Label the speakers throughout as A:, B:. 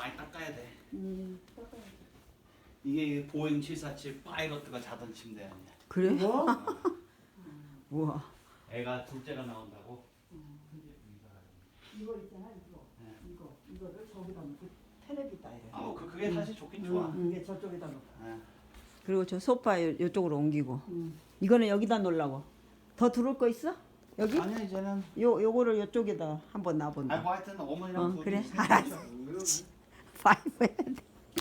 A: 많이 닦아야 돼.
B: 닦아야 돼.
A: 이게 보잉 747 파이러트가 자던 침대 아니야.
C: 그래?
B: 뭐?
C: 우와.
A: 애가 둘째가 나온다고.
B: 이거 있잖아 이거.
A: 네.
B: 이거를 저기다 놓고 텔레비다 이래.
A: 그게 사실 좋긴 좋아.
B: 이게 저쪽에다 놓고.
A: 네.
C: 그리고 저 소파 이쪽으로 옮기고.
B: 응.
C: 이거는 여기다 놓으려고. 더 들어올 거 있어? 여기?
A: 아니야 이제는.
C: 요거를 이쪽에다 한번 놔본다.
A: 뭐 하여튼 어머니랑
C: 그래?
A: 둘이
C: 알았어. 파이브 해야 돼.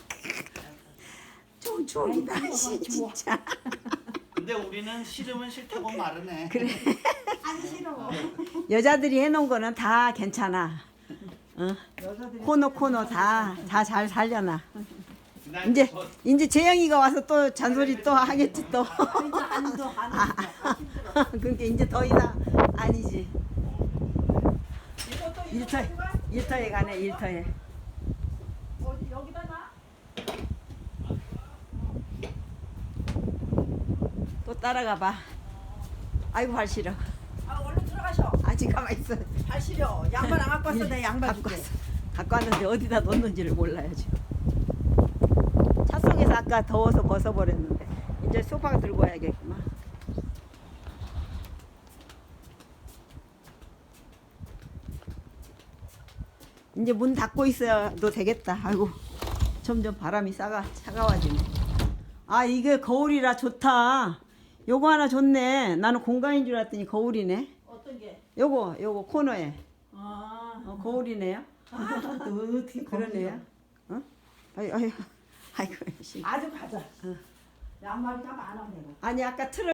C: 좋은 추억이다. 씨, 진짜.
A: 근데 우리는 싫으면 싫다고 말은 해.
C: 그래.
B: 안 싫어.
C: 여자들이 해놓은 거는 다 괜찮아.
B: 여자들이
C: 코너 다 잘 살려놔.
A: 나
C: 이제
A: 저-
C: 이제 재영이가 와서 또 잔소리 또 하겠지 또.
B: 이제 안도 힘들어.
C: 그러니까 이제 더 이상 아니지.
B: 이것도
C: 일터에 가네 일터에.
B: 어디 여기다 놔?
C: 또 따라가 봐. 아이고 발 시려.
B: 얼른 들어가셔.
C: 아직 가만 있어.
B: 발 시려. 양말 안 갖고 왔어. 내 양말
C: 갖고
B: 줄게.
C: 왔어. 갖고 왔는데 어디다 놓는지를 몰라요 지금. 차 속에서 아까 더워서 벗어버렸는데 이제 소파 들고 와야겠구만. 이제 문 닫고 있어도 되겠다. 아이고 점점 바람이 차가워지네. 아 이게 거울이라 좋다. 요거 하나 좋네. 나는 공간인 줄 알았더니 거울이네.
B: 어떤 게?
C: 요거 코너에 거울이네요.
B: 또 어떻게
C: 그러네요. 어? 아이고 씨.
B: 아주 가자. 양말이 다 많아 내가.
C: 아니 아까 틀어